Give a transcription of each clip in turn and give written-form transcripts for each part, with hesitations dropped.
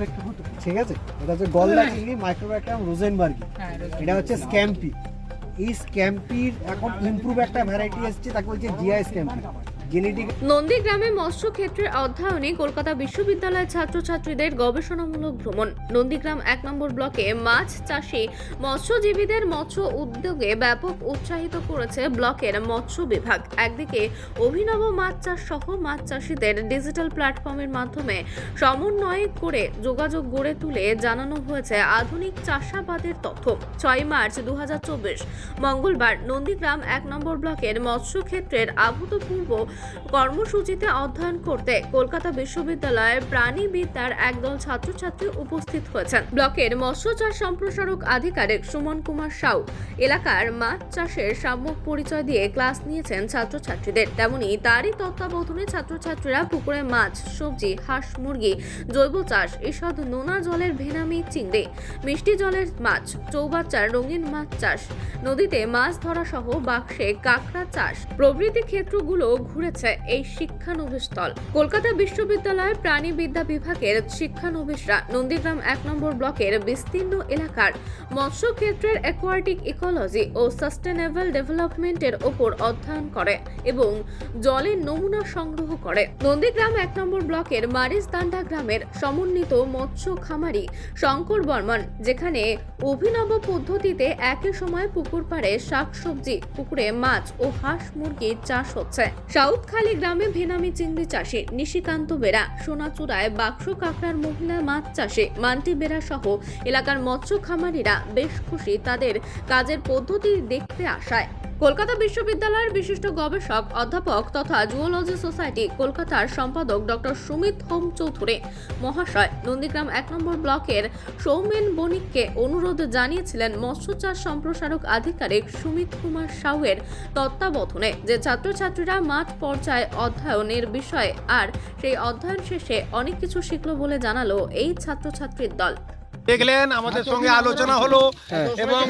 ঠিক আছে, এটা হচ্ছে গলদা চিংড়ি মাইক্রোব্যাকটেরিয়াম রোজেনবার্গি। এটা হচ্ছে স্ক্যাম্পি। এই স্ক্যাম্পির এখন ইমপ্রুভ একটা ভ্যারাইটি এসেছে, তাকে বলছে জিআই স্ক্যাম্পি। নন্দীগ্রামে মৎস্য ক্ষেত্রের অধ্যয়নে কলকাতা বিশ্ববিদ্যালয়ের ছাত্রছাত্রীদের গবেষণামূলক ভ্রমণ। নন্দীগ্রাম 1 নম্বর ব্লকে মাছ চাষী মৎস্যজীবীদের মৎস্য উদ্যোগে ব্যাপক উৎসাহিত করেছে ব্লকের মৎস্য বিভাগ। একদিকে অভিনব মাছ চাষ সহ মাছ চাষীদের ডিজিটাল প্ল্যাটফর্মের মাধ্যমে সমন্বয় করে যোগাযোগ গড়ে তুলে জানানো হয়েছে আধুনিক চাষাবাদের তথ্য। 6 মার্চ 2024 মঙ্গলবার নন্দীগ্রাম 1 নম্বর ব্লকের মৎস্য ক্ষেত্রের অভূতপূর্ব কর্মসূচিতে অধ্যয়ন করতে কলকাতা বিশ্ববিদ্যালয়ের প্রাণীবিদ্যার একদল ছাত্রছাত্রী উপস্থিত হয়েছেন। ব্লকের মৎস্য চাষ সম্প্রসারক আধিকারিক সুমন কুমার সাউ এলাকার মাছ চাষের সম্যক পরিচয় দিয়ে ক্লাস নিয়েছেন ছাত্রছাত্রীদের। তেমনি তারই তত্ত্বাবধানে ছাত্রছাত্রীরা পুকুরে মাছ, সবজি, হাঁস, মুরগি, জৈব চাষ, ঈষৎ নোনা জলের ভেনামি চিংড়ি, মিষ্টি জলের মাছ, চৌবাচ্চার রঙিন মাছ চাষ, নদীতে মাছ ধরা সহ বাক্সে কাঁকড়া চাষ প্রভৃতি ক্ষেত্রগুলো ঘুরেছে এই শিক্ষানবিশস্থল। কলকাতা বিশ্ববিদ্যালয়ের প্রাণীবিদ্যা বিভাগের শিক্ষানবিশরা নন্দীগ্রাম 1 নম্বর ব্লকের বিস্তীর্ণ এলাকার মৎস্য ক্ষেত্রের অ্যাকোয়াটিক ইকোলজি ও সাস্টেনেবল ডেভেলপমেন্টের ওপর অধ্যয়ন করে এবং জলের নমুনা সংগ্রহ করে। নন্দীগ্রাম 1 নম্বর ব্লকের মারিসদান্ডা গ্রামের সমন্বিত মৎস্য খামারি শঙ্কর বর্মন, যেখানে অভিনব পদ্ধতিতে একই সময় পুকুর পাড়ে শাকসবজি, পুকুরে মাছ ও হাঁস মুরগির চাষ হচ্ছে। সাউথখালী গ্রামে ভেনামি চিংড়ি চাষে নিশিকান্ত বেরা, সোনাচূড়ায় বাক্স কাঁকড়ার মহিলা মাছ চাষে মান্টি বেরা সহ এলাকার মৎস্য খামারিরা বেশ খুশি তাদের কাজের পদ্ধতি দেখতে আসায়। কলকাতা বিশ্ববিদ্যালয়ের বিশিষ্ট গবেষক অধ্যাপক তথা জুওলজি সোসাইটি কলকাতার সম্পাদক ডক্টর সুমিত হোম চৌধুরী মহাশয় নন্দীগ্রাম 1 নম্বর ব্লকের সৌমেন বণিককে অনুরোধ জানিয়েছিলেন মৎস্য চাষ সম্প্রসারক আধিকারিক সুমিত কুমার সাউয়ের তত্ত্বাবধানে যে ছাত্রছাত্রীরা মাঠ পর্যায়ে অধ্যয়নের বিষয়ে আর সেই অধ্যয়ন শেষে অনেক কিছু শিখলো বলে জানালো এই ছাত্রছাত্রীর দল। দেখলেন, আমাদের সঙ্গে আলোচনা হলো এবং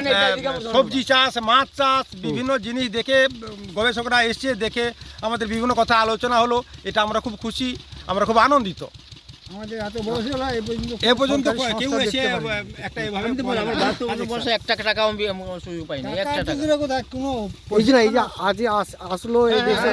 সবজি চাষ, মাছ চাষ, বিভিন্ন জিনিস দেখে গবেষকরা এসছে, দেখে আমাদের বিভিন্ন কথা আলোচনা হলো। এটা আমরা খুব খুশি, আমরা খুব আনন্দিত। আমাদের এত বয়স হলো এ পর্যন্ত কেউ এসে একটা এভাবে এক টাকা আমি সুযোগ পাইনি, একটা টাকা কোনো এই যে আজ আসলো এই দেশে,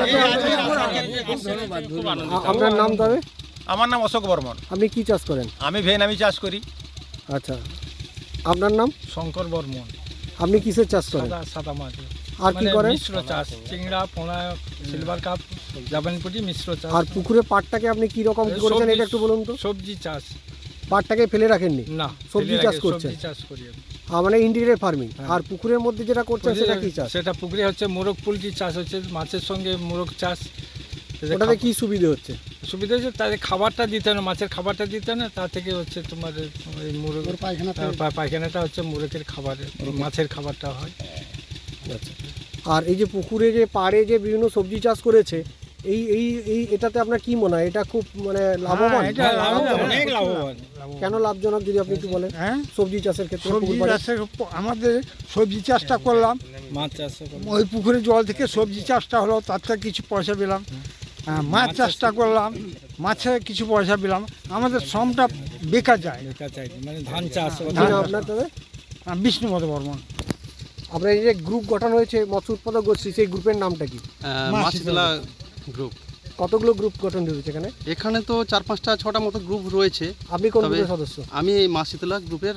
আপনার নাম তবে? আমার নাম অশোক বর্মন। আপনি কি চাষ করেন? আমি ভেনামি চাষ করি। আচ্ছা, আপনার নাম? শঙ্কর বর্মন। আপনি কিসের চাষ করেন? সাদা মাছ আর কি করেন? মিশ্র চাষ, চিংড়া, পোনা, সিলভার কাপ, জাপানপুটি, মিশ্র চাষ। আর পুকুরে পাটটাকে আপনি কি রকম করেছেন এটা একটু বলুন তো। সবজি চাষ। পাটটাকে ফেলে রাখেননি? না, সবজি চাষ করছেন? সবজি চাষ করি আমি। মানে ইন্টিগ্রেটেড ফার্মিং। আর পুকুরের মধ্যে যেটা করছেন সেটা কি চাষ? সেটা পুকুরে হচ্ছে মোরগ পোলট্রি চাষ হচ্ছে, মাছের সঙ্গে মোরগ চাষ। ওটাতে কি সুবিধা হচ্ছে? সুবিধা হচ্ছে তাদের খাবারটা দিতে না, মাছের খাবারটা দিতে না, তা থেকে হচ্ছে তোমার এই মোরগ পায়খানাটা হচ্ছে মোরগের খাবার, মাছের খাবারটা হয়। আচ্ছা, আর এই যে পুকুরে যে পাড়ে যে বিভিন্ন সবজি চাষ করেছে, এই এই এই এটাতে আপনার কি মনে হয়? এটা খুব মানে লাভবান? অনেক লাভবান। কেন লাভজনক যদি আপনি একটু বলেন? হ্যাঁ, সবজি চাষের ক্ষেত্রে সবজি চাষে আমাদের সবজি চাষটা করলাম, মাছ চাষ ওই পুকুরের জল থেকে সবজি চাষটা হলো, তার থেকে কিছু পয়সা পেলাম। মাছ চাষটা করলাম, মাছে কিছু পয়সা পেলাম। আমাদের শ্রমটা বেকার যায়। মানে ধান চাষ। আপনার তবে? বিষ্ণুপদ বর্মন। আপনার এই যে গ্রুপ গঠন হয়েছে মৎস্য উৎপাদক গোষ্ঠী, সেই গ্রুপের নামটা কি? মাছতলা গ্রুপ। কতগুলো গ্রুপ গঠন হয়েছে এখানে? এখানে তো 4-5টা 6টা মতো গ্রুপ রয়েছে। আপনি কোন গ্রুপের সদস্য? আমি এই মাছতলা গ্রুপের।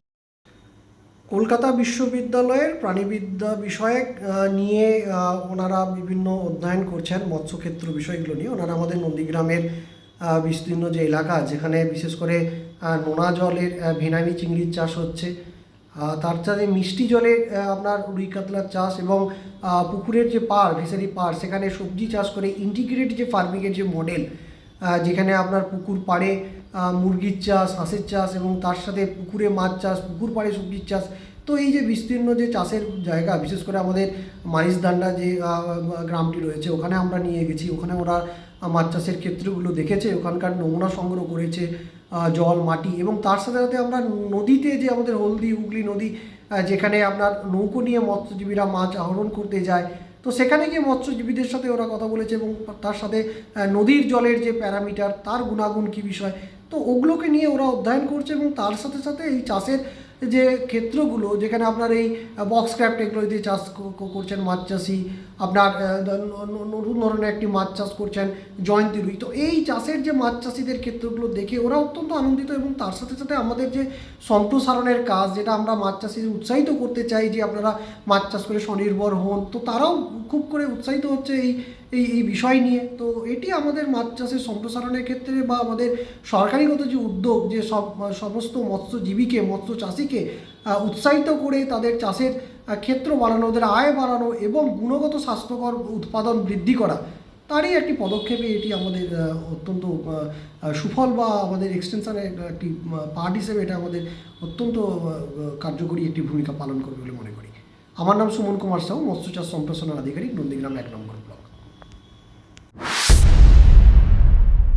কলকাতা বিশ্ববিদ্যালয়ের প্রাণীবিদ্যা বিষয়ক নিয়ে ওনারা বিভিন্ন অধ্যয়ন করছেন মৎস্যক্ষেত্র বিষয়গুলো নিয়ে। ওনারা আমাদের নন্দীগ্রামের বিস্তীর্ণ যে এলাকা, যেখানে বিশেষ করে নোনা জলের ভেনামি চিংড়ির চাষ হচ্ছে, তার সাথে মিষ্টি জলে আপনার রুই কাতলার চাষ এবং পুকুরের যে পাড়, ফিশারি পাড়, সেখানে সবজি চাষ করে ইন্টিগ্রেটেড যে ফার্মিংয়ের যে মডেল, যেখানে আপনার পুকুর পাড়ে মুরগির চাষ, হাঁসের চাষ এবং তার সাথে পুকুরে মাছ চাষ, পুকুর পাড়ে সবজির চাষ। তো এই যে বিস্তীর্ণ যে চাষের জায়গা, বিশেষ করে আমাদের মারিসদান্ডা যে গ্রামটি রয়েছে, ওখানে আমরা নিয়ে গেছি। ওখানে ওরা মাছ চাষের ক্ষেত্রগুলো দেখেছে, ওখানকার নমুনা সংগ্রহ করেছে, জল, মাটি, এবং তার সাথে সাথে আমরা নদীতে যে আমাদের হলদি হুগলি নদী, যেখানে আপনার নৌকো নিয়ে মৎস্যজীবীরা মাছ আহরণ করতে যায়, তো সেখানে গিয়ে মৎস্যজীবীদের সাথে ওরা কথা বলেছে এবং তার সাথে নদীর জলের যে প্যারামিটার, তার গুণাগুণ কী বিষয়, তো ওগুলোকে নিয়ে ওরা অধ্যয়ন করছে এবং তার সাথে সাথে এই চাষের যে ক্ষেত্রগুলো যেখানে আপনার এই বক্স ক্র্যাপ টেকনোলজি চাষ করছেন মাছ চাষি, আপনার নতুন ধরনের একটি মাছ চাষ করছেন জয়ন্তী রুই। তো এই চাষের যে মাছ চাষিদের ক্ষেত্রগুলো দেখে ওরা অত্যন্ত আনন্দিত এবং তার সাথে সাথে আমাদের যে সম্প্রসারণের কাজ, যেটা আমরা মাছ চাষিদের উৎসাহিত করতে চাই যে আপনারা মাছ চাষ করে স্বনির্ভর হন, তো তারাও খুব করে উৎসাহিত হচ্ছে এই বিষয় নিয়ে। তো এটি আমাদের মাছ চাষের সম্প্রসারণের ক্ষেত্রে বা আমাদের সরকারিগত যে উদ্যোগ, যে সমস্ত মৎস্যজীবীকে, মৎস্য চাষিকে উৎসাহিত করে তাদের চাষের ক্ষেত্র বাড়ানো, ওদের আয় বাড়ানো এবং গুণগত স্বাস্থ্যকর উৎপাদন বৃদ্ধি করা, তারই একটি পদক্ষেপে এটি আমাদের অত্যন্ত সুফল বা আমাদের এক্সটেনশনের একটি পার্ট হিসেবে এটা আমাদের অত্যন্ত কার্যকরী একটি ভূমিকা পালন করবে বলে মনে করি। আমার নাম সুমন কুমার সাউ, মৎস্য চাষ সম্প্রসারণ আধিকারিক, নন্দীগ্রাম 1 নম্বর।